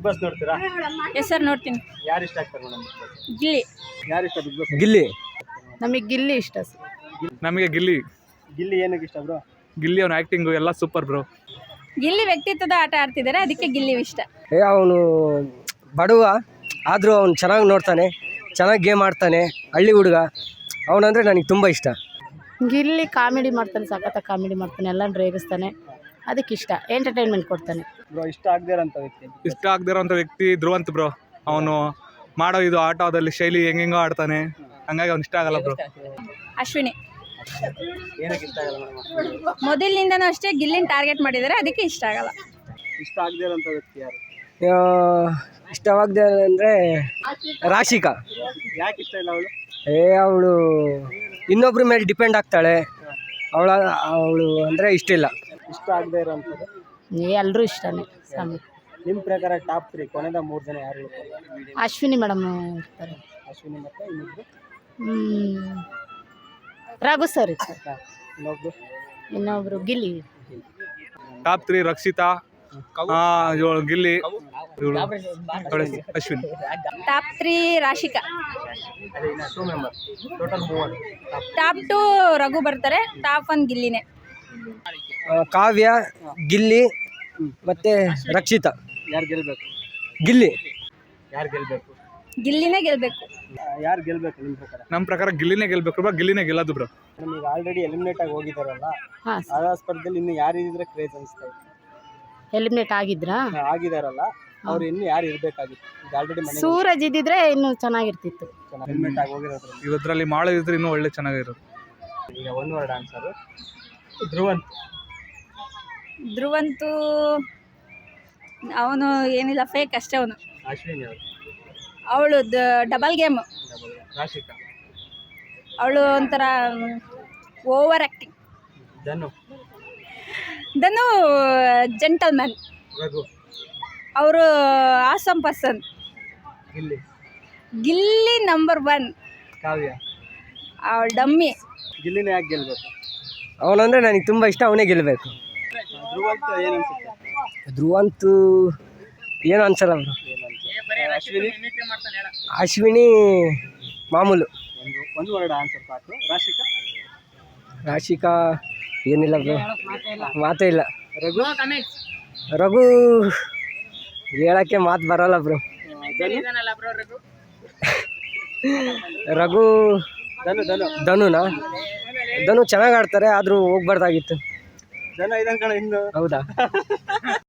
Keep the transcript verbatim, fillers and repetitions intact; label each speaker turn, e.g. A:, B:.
A: Boss ನೋಡ್ತೀರಾ?
B: Yes sir ನೋಡ್ತೀನಿ.
A: ಯಾರು ಇಷ್ಟ ಆಗ್ತಾರೆ ಮೇಡಮ್?
B: ಗಿಲ್ಲಿ.
A: ಯಾರು ಇಷ್ಟ ಬಿಗ್ ಬಾಸ್?
C: ಗಿಲ್ಲಿ.
D: ನಮಗೆ ಗಿಲ್ಲಿ ಇಷ್ಟ ಸರ್.
E: ನಮಗೆ ಗಿಲ್ಲಿ.
A: ಗಿಲ್ಲಿ ಏನಕ್ಕೆ ಇಷ್ಟ ಬ್ರೋ?
E: ಗಿಲ್ಲಿ ಅವನ ಆ್ಯಕ್ಟಿಂಗು ಎಲ್ಲ ಸೂಪರ್ ಬ್ರೋ.
B: ಗಿಲ್ಲಿ ವ್ಯಕ್ತಿತ್ವದ ಆಟ ಆಡ್ತಿದ್ದಾರೆ, ಅದಕ್ಕೆ ಗಿಲ್ಲಿ ಇಷ್ಟ.
C: ಏ ಅವನು ಬಡವ ಆದರೂ ಅವನು ಚೆನ್ನಾಗಿ ನೋಡ್ತಾನೆ, ಚೆನ್ನಾಗಿ ಗೇಮ್ ಆಡ್ತಾನೆ, ಹಳ್ಳಿ ಹುಡುಗ ಅವನಂದರೆ ನನಗೆ ತುಂಬ ಇಷ್ಟ.
D: ಗಿಲ್ಲಿ ಕಾಮಿಡಿ ಮಾಡ್ತಾನೆ, ಸಖತ್ತ ಕಾಮಿಡಿ ಮಾಡ್ತಾನೆ, ಎಲ್ಲ ರೇಗಿಸ್ತಾನೆ, ಅದಕ್ಕೆ ಇಷ್ಟ. ಎಂಟರ್ಟೈನ್ಮೆಂಟ್ ಕೊಡ್ತಾನೆ.
A: ಬ್ರೋ ಇಷ್ಟ ಆಗದೇ ಇರೋಂಥ ವ್ಯಕ್ತಿ?
E: ಇಷ್ಟ ಆಗದೇ ಇರೋಂಥ ವ್ಯಕ್ತಿ ಧ್ರುವಂತ್ ಬ್ರೋ. ಅವನು ಮಾಡೋ ಇದು ಆಟೋದಲ್ಲಿ ಶೈಲಿ ಹೆಂಗೆಂಗೋ ಆಡ್ತಾನೆ, ಹಂಗಾಗಿ ಅವ್ನು ಇಷ್ಟ ಆಗಲ್ಲ ಬ್ರೋ.
B: ಅಶ್ವಿನಿ.
A: ಏನಕ್ಕೆ ಇಷ್ಟ ಆಗಲ್ಲ ಮೇಡಮ್?
B: ಮೊದಲಿನಿಂದನೂ ಅಷ್ಟೇ ಗಿಲ್ಲಿನ ಟಾರ್ಗೆಟ್ ಮಾಡಿದ್ದಾರೆ, ಅದಕ್ಕೆ ಇಷ್ಟ ಆಗಲ್ಲ.
A: ಇಷ್ಟ ಆಗದೇ ಇರೋಂಥ ವ್ಯಕ್ತಿ ಯಾರು?
C: ಇಷ್ಟವಾಗದೆ ಅಂದರೆ ರಾಶಿಕಾ.
A: ಯಾಕೆ ಇಷ್ಟ ಇಲ್ಲ ಅವಳು?
C: ಏ ಅವಳು ಇನ್ನೊಬ್ರ ಮೇಲೆ ಡಿಪೆಂಡ್ ಆಗ್ತಾಳೆ, ಅವಳ ಅವಳು ಅಂದರೆ ಇಷ್ಟ ಇಲ್ಲ.
A: ಇಷ್ಟ ಆಗದೇ ಇರೋಂಥದ್ದು?
D: ಎಲ್ಲರೂ ಇಷ್ಟನೇ. ಸ್ವಾಮಿ
A: ನಿಮ್ಮ ಪ್ರಕಾರ ಟಾಪ್ ತ್ರೀ ಕೊನೆದ ಮೂರು ಜನ ಯಾರು ಇರ್ತಾರೆ?
D: ಅಶ್ವಿನಿ ಮೇಡಮ್ ಇರ್ತಾರೆ.
A: ಅಶ್ವಿನಿ ಮತ್ತು ಇನ್ನೊಬ್ರು
D: ಹ್ಮ್. ರಘು ಸರ್ ಇರ್ತಾರೆ.
A: ಇನ್ನೊಬ್ರು
D: ಇನ್ನೊಬ್ರು ಗಿಲ್ಲಿ.
E: ಟಾಪ್ ತ್ರೀ ರಕ್ಷಿತಾ, ಆ, ಇವಳು ಗಿಲ್ಲಿ, ಇವಳು ಅಶ್ವಿನಿ.
B: Top three Rashika.
A: ಅದೇ ಇನ್ನು ಟೂ ಮೆಂಬರ್, ಟೋಟಲ್ ಮೂವರು.
B: ಟಾಪ್ ಟು ರಘು ಬರ್ತಾರೆ, ಟಾಪ್ ಒನ್ ಗಿಲ್ಲಿನೇ.
C: ಕಾವ್ಯ, ಗಿಲ್ಲಿ ಮತ್ತು ರಕ್ಷಿತಾ.
A: ಯಾರು ಗೆಲ್ಲಬೇಕು?
C: ಗಿಲ್ಲಿ.
A: ಯಾರು ಗೆಲ್ಲಬೇಕು?
B: ಗಿಲ್ಲಿನೇ ಗೆಲ್ಬೇಕು.
A: ಯಾರು ಗೆಲ್ಲಬೇಕು ನಿಮ್ಮ ಪ್ರಕಾರ?
E: ನಮ್ಮ ಪ್ರಕಾರ ಗಿಲ್ಲಿನೇ ಗೆಲ್ಬೇಕು ಬ್ರೋ, ಗಿಲ್ಲಿನೇ ಗೆಲ್ಲೋದು ಬ್ರೋ.
A: ನಮಗೆ ಆಲ್ರೆಡಿ ಎಲಿಮಿನೇಟ್ ಆಗಿ ಹೋಗಿದ್ದಾರಲ್ಲ,
D: ಹಾಂ
A: ಆ ಸ್ಪರ್ಧೆಯಲ್ಲಿ ಇನ್ನು ಯಾರು ಇದ್ರೆ ಕ್ರೇಜ್ ಅನಿಸ್ತಾ ಇದೆ?
D: ಎಲಿಮಿನೇಟ್ ಆಗಿದ್ರಾ?
A: ಆಗಿದಾರಲ್ಲ, ಅವ್ರು ಇನ್ನು ಯಾರು ಇರಬೇಕಾಗಿತ್ತು? ಈಗ ಆಲ್ರೆಡಿ ಮನೆ
D: ಸೂರಜ್ ಇದ್ದಿದ್ರೆ ಇನ್ನೂ ಚೆನ್ನಾಗಿರ್ತಿತ್ತು.
A: ಎಲಿಮಿನೇಟ್ ಆಗಿ ಹೋಗಿರೋದ್ರಲ್ಲಿ
E: ಇವತ್ತರಲ್ಲಿ ಮಾಡೋದಿದ್ರೆ ಇನ್ನೂ ಒಳ್ಳೆ ಚೆನ್ನಾಗಿರೋದು.
A: ಈಗ one word answer Dhruvanth.
B: Dhruvanth ಅವನು ಏನಿಲ್ಲ, ಫೇಕ್ ಅಷ್ಟೇ ಅವನು.
A: ಅಶ್ವಿನಿ ಅವರು.
B: ಅವಳು ಡಬಲ್ ಗೇಮ್.
A: ರಾಶಿಕಾ.
B: ಅವಳು ಒಂಥರ over acting.
A: Dhanu.
B: Dhanu gentleman.
A: Raghu.
B: ಅವರು awesome person.
A: Gilli.
B: Gilli number one.
A: Kavya.
B: ಅವಳು ಡಮ್ಮಿ.
A: ಗಿಲ್ಲಿನ ಯಾಕೆ ಗೆಲ್ಬೇಕು?
C: ಅವನಂದರೆ ನನಗೆ ತುಂಬ ಇಷ್ಟ, ಅವನೇ ಗೆಲ್ಲಬೇಕು.
A: ಧ್ರುವಂತ್ ಏನು ಅನ್ಸುತ್ತೆ?
C: ಧ್ರುವಂತು ಏನು ಅನ್ಸಲ್ಲ ಅವರು.
A: ಅಶ್ವಿನಿ.
C: ಅಶ್ವಿನಿ ಮಾಮೂಲು.
A: ಒಂದು ಒಂದು ವರ್ಡ್ ಆನ್ಸರ್ ಸಾಕು. ರಾಶಿಕಾ.
C: ರಾಶಿಕಾ ಏನಿಲ್ಲ ಬ್ರೋ, ಮಾತೇ ಇಲ್ಲ.
A: ರಘು.
C: ರಘು ಹೇಳಕ್ಕೆ ಮಾತು ಬರಲ್ಲ ಬ್ರೋ. ರಘು
A: ಧನು. ಧನು.
C: ಧನುನಾ? ಧನು ಚೆನ್ನಾಗಿ ಆಡ್ತಾರೆ, ಆದರೂ ಹೋಗ್ಬಾರ್ದಾಗಿತ್ತು.
A: ಧನು ಇದಂಕಣ ಇನ್ನು.
C: ಹೌದಾ?